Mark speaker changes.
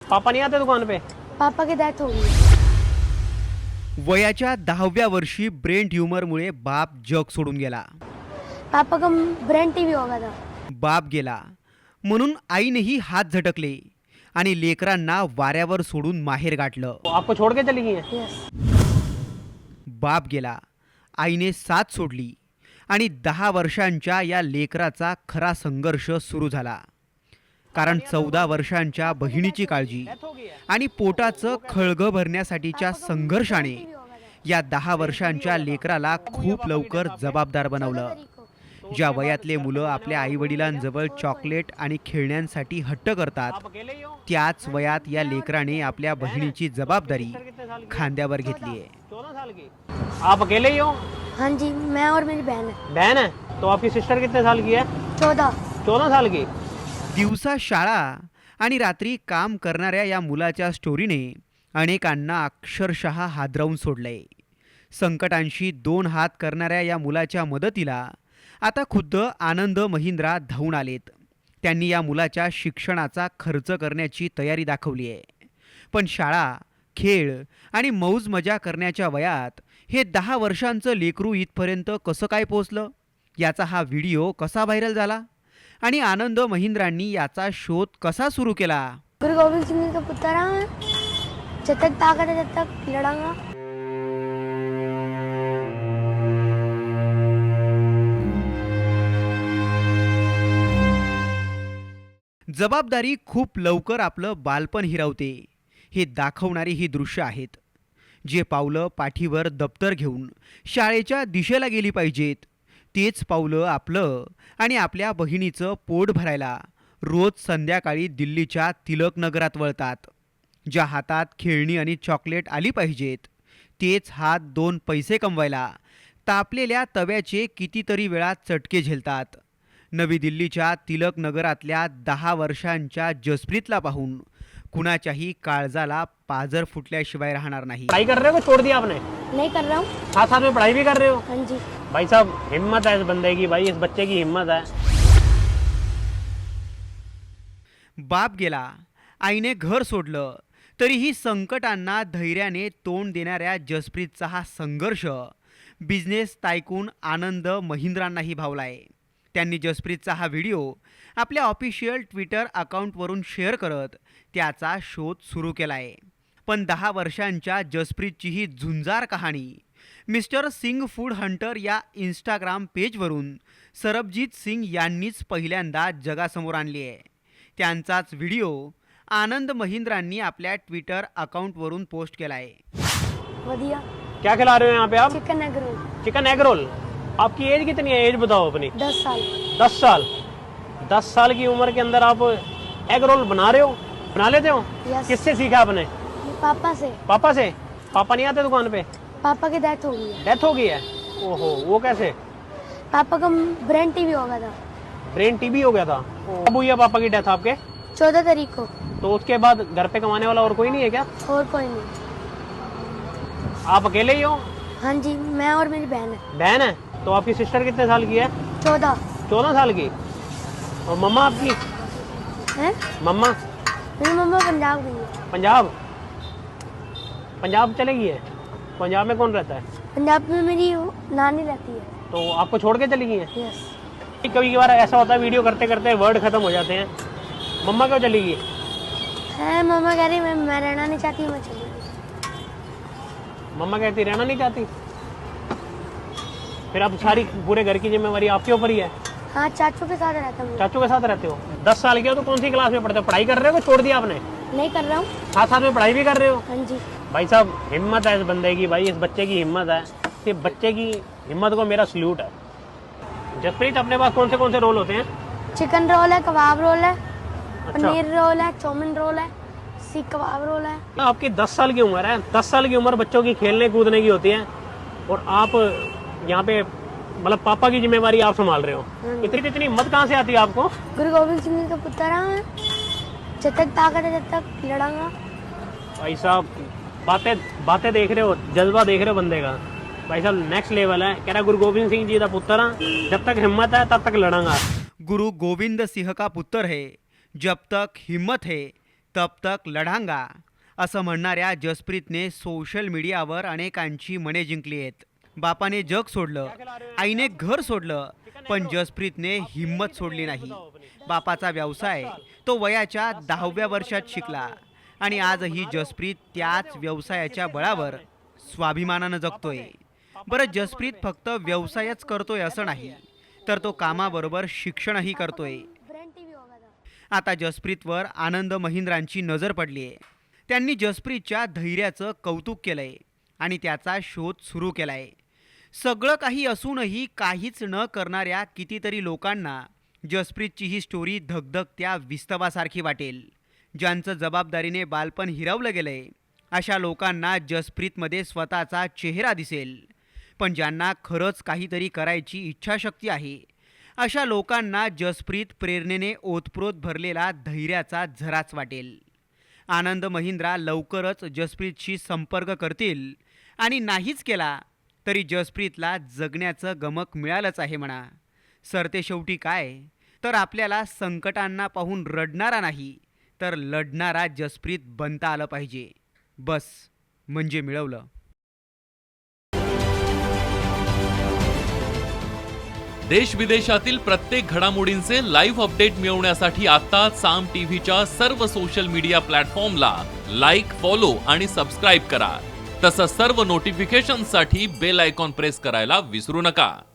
Speaker 1: पापा नहीं आते दुकान पे?
Speaker 2: पापा की डेथ हो गई।
Speaker 3: वयाच्या 10व्या वर्षी ब्रेन ट्यूमरमुळे बाप जग सोडून गेला.
Speaker 2: पापा का ब्रेन टीवी हो गया था।
Speaker 3: बाप गेला म्हणून आईनेही हात झटकले आणि लेकरांना वाऱ्यावर सोडून माहेर गाठलं.
Speaker 1: वो आपको छोड़ के चली गई है?
Speaker 2: यस।
Speaker 3: बाप गेला, आईने साथ सोडली आणि 10 वर्षांच्या या लेकराचा खरा संघर्ष सुरू झाला. कारण 14 वर्षांच्या बहिणीची काळजी आणि पोटाचं खळगं भरण्यासाठीच्या संघर्षाने या 10 वर्षांच्या लेकराला खूप लवकर जबाबदार बनवलं. ज्या वयातले मुलं आपल्या आईवडिलांजवळ चॉकलेट आणि खेळण्यांसाठी हट्ट करतात, त्याच वयात या लेकराने आपल्या बहिणीची जबाबदारी खांद्यावर घेतली आहे.
Speaker 1: 14 साल की. आप अकेले ही हो?
Speaker 2: हाँ जी, मैं और मेरी बहन है।
Speaker 1: बहन है? तो आपकी सिस्टर कितने साल की है?
Speaker 2: 14।
Speaker 1: 14 साल की.
Speaker 3: दिवसा शाळा आणि रात्री काम करणाऱ्या या मुलाच्या स्टोरीने अनेकांना अक्षरशः हादरवून सोडलंय. संकटांशी 2 हात करणाऱ्या या मुलाच्या मदतीला आता खुद्द आनंद महिंद्रा धावून आलेत. त्यांनी या मुलाच्या शिक्षणाचा खर्च करण्याची तयारी दाखवली आहे. पण शाळा, खेळ आणि मौज मजा करण्याच्या वयात हे 10 वर्षांचं लेकरू इथपर्यंत कसं काय पोहोचलं, याचा हा व्हिडिओ कसा व्हायरल झाला आणि आनंद महिंद्रांनी याचा शोध कसा सुरू केला.
Speaker 2: गुरु गोविंद सिंह जी का पुत्र हूँ मैं। जब तक ताकत है जब तक लड़ूंगा।
Speaker 3: जबाबदारी खूप लवकर आपलं बालपण हिरावते हे दाखवणारी ही दृश्य आहेत. जे पावलं पाठीवर दप्तर घेऊन शाळेच्या दिशेला गेली पाहिजेत, तेच पावलं आपलं आणि आपल्या बहिणीचं पोट भरायला रोज संध्याकाळी दिल्लीच्या तिलक नगरात वळतात. ज्या हातात खेळणी आणि चॉकलेट आली पाहिजेत, तेच हात 2 पैसे कमवायला तापलेल्या तव्याचे कितीतरी वेळा चटके झेलतात. नवी दिल्लीच्या तिलक नगरातल्या 10 वर्षांच्या जसप्रीतला पाहून कुणाच्याही काळजाला पाजर फुटल्याशिवाय राहणार नाही.
Speaker 1: पढ़ाई कर रहे हो कि छोड़ दिया आपने?
Speaker 2: नहीं कर रहा हूँ।
Speaker 1: साथ साथ में पढ़ाई भी कर रहे हो?
Speaker 2: हाँ जी।
Speaker 1: भाई साहब, हिम्मत है इस बंदे की, भाई इस बच्चे की हिम्मत है.
Speaker 3: बाप गेला, आईने घर सोडलं, तरीही संकटांना धैर्याने तोंड देणाऱ्या जसप्रीतचा हा संघर्ष बिझनेस टायकून आनंद महिंद्रांनाही भावलाय. त्यांनी जसप्रीतचा हा व्हिडिओ आपल्या ऑफिशियल ट्विटर अकाउंटवरून शेअर करत त्याचा शोध सुरू केला आहे. पण 10 वर्षांच्या जसप्रीतची ही झुंजार कहाणी मिस्टर सिंग फूड हंटर या इंस्टाग्राम पेजवरून सरबजीत सिंग यांनीच पहिल्यांदा जगासमोर आणली आहे. त्यांचाच व्हिडिओ आनंद महिंद्रांनी आपल्या ट्विटर अकाउंटवरून पोस्ट केला आहे.
Speaker 2: वधिया।
Speaker 1: क्या खिला रहे हो यहाँ पे आप?
Speaker 2: Chicken egg roll.
Speaker 1: Chicken egg roll. आपकी एज कितनी है? एज बताओ अपनी.
Speaker 2: 10 साल।
Speaker 1: 10 साल. 10 साल की उम्र के अंदर आप एग रोल बना रहे हो? बना लेते हो?
Speaker 2: यस।
Speaker 1: किससे सीखा आपने?
Speaker 2: पापा से।
Speaker 1: पापा से? पापा नहीं आते दुकान पे?
Speaker 2: पापा की डेथ हो गई है।
Speaker 1: डेथ हो गई है? ओहो, वो कैसे?
Speaker 2: पापा का ब्रेन टीवी हो गया था।
Speaker 1: ब्रेन टीबी हो गया था? कब हुई है पापा की डेथ आपके?
Speaker 2: 14 तारीख को।
Speaker 1: तो उसके बाद घर पे कमाने वाला और कोई नहीं है क्या?
Speaker 2: और कोई नहीं।
Speaker 1: आप अकेले ही हो?
Speaker 2: हाँ जी, मैं और मेरी बहन है।
Speaker 1: बहन है? तो आपकी सिस्टर कितने साल की है?
Speaker 2: 14।
Speaker 1: 14 साल की. और मम्मा आपकी?
Speaker 2: है?
Speaker 1: मम्मा?
Speaker 2: मेरी मम्मा पंजाब गई है।
Speaker 1: पंजाब? पंजाब चले गई है? पंजाब में कौन रहता है?
Speaker 2: पंजाब में मेरी नानी रहती है।
Speaker 1: तो आपको छोड़ के चली गई है?
Speaker 2: यस।
Speaker 1: कभी कभार ऐसा होता है वीडियो करते करते वर्ड खत्म हो जाते हैं. मम्मा क्यों चली गई?
Speaker 2: है, मम्मा कह रही मैं रहना नहीं चाहती, मैं चली गई।
Speaker 1: मम्मा कहती रहना नहीं चाहती. फिर अब सारी पूरे घर की जिम्मेवारी आपके ऊपर ही है.
Speaker 2: हाँ, चाचू के साथ रहता हूँ।
Speaker 1: चाचू के साथ रहते हो? 10 साल के हो तो कौन सी क्लास में पढ़ते हो? पढ़ाई कर रहे हो कि छोड़ दिया आपने?
Speaker 2: नहीं कर रहा हूँ।
Speaker 1: साथ साथ में पढ़ाई भी कर रहे हो?
Speaker 2: हाँ जी।
Speaker 1: भाई साहब, हिम्मत है इस बंदे की, भाई इस बच्चे की हिम्मत है. इस बच्चे की हिम्मत को मेरा सल्यूट है. जसप्रीत, अपने पास कौन से रोल होते हैं?
Speaker 2: चिकन रोल है, कबाब रोल है,
Speaker 1: अच्छा.
Speaker 2: पनीर रोल है, चाउमीन रोल है, सीख कबाब रोल है।
Speaker 1: आपकी 10 साल की उम्र है. 10 साल की उम्र बच्चों की खेलने कूदने की होती है और आप यहाँ पे मतलब पापा की जिम्मेवारी आप संभाल रहे हो. इतनी इतनी हिम्मत कहाँ से आती है आपको?
Speaker 2: गुरु गोविंद सिंह जी का पुत्र हूँ मैं। जब तक ताकत है जब तक लड़ूंगा।
Speaker 1: भाई साहब, बातें देख रहे हो, जज्बा देख रहे हो बंदे का. भाई साहब नेक्स्ट लेवल है. कह रहा गुरु गोविंद सिंह जी का पुत्र हाँ, जब तक हिम्मत है तब तक लड़ूंगा.
Speaker 3: गुरु गोविंद सिंह का पुत्र है, जब तक हिम्मत है तब तक लढांगा असं म्हणणाऱ्या जसप्रीतने सोशल मीडियावर अनेकांची मने जिंकली आहेत. बापाने जग सोडलं, आईने घर सोडलं, पण जसप्रीतने हिम्मत सोडली नाही. बापाचा व्यवसाय तो वयाच्या 10व्या वर्षात शिकला आणि आजही जसप्रीत त्याच व्यवसायाच्या बळावर स्वाभिमानानं जगतोय. बरं, जसप्रीत फक्त व्यवसायच करतोय असं नाही, तर तो कामाबरोबर शिक्षणही करतोय.
Speaker 2: ब्रेन टीवी होगा था.
Speaker 3: आता जसप्रीतवर आनंद महिंद्रांची नजर पडली आहे. त्यांनी जसप्रीतच्या धैर्याचं कौतुक केलंय आणि त्याचा शोध सुरू केलाय. सगळं काही असूनही काहीच न करणाऱ्या कितीतरी लोकांना जसप्रीतची ही स्टोरी धगधगत्या विस्तवासारखी वाटेल. ज्यांचं जबाबदारीने बालपण हिरावलं गेलंय अशा लोकांना जसप्रीतमध्ये स्वतःचा चेहरा दिसेल. पण ज्यांना खरंच काहीतरी करायची इच्छाशक्ती आहे अशा लोकांना जसप्रीत प्रेरणेने ओतप्रोत भरलेला धैर्याचा झराच वाटेल. आनंद महिंद्रा लवकरच जसप्रीतशी संपर्क करतील आणि नाहीच केला तरी जसप्रीतला जगण्याचं गमक मिळालंच आहे म्हणा. सरतेशेवटी काय, तर आपल्याला संकटांना पाहून रडणारा नाही तर लढणारा जसप्रीत बनता आलं पाहिजे. बस, म्हणजे मिळवलं.
Speaker 4: देश विदेशातील प्रत्येक घडामोडींचे लाईव्ह अपडेट मिळवण्यासाठी आता साम टीव्हीच्या सर्व सोशल मीडिया प्लॅटफॉर्मला लाईक, फॉलो आणि सबस्क्राईब करा. तसंच सर्व नोटिफिकेशनसाठी बेल आयकॉन प्रेस करायला विसरू नका.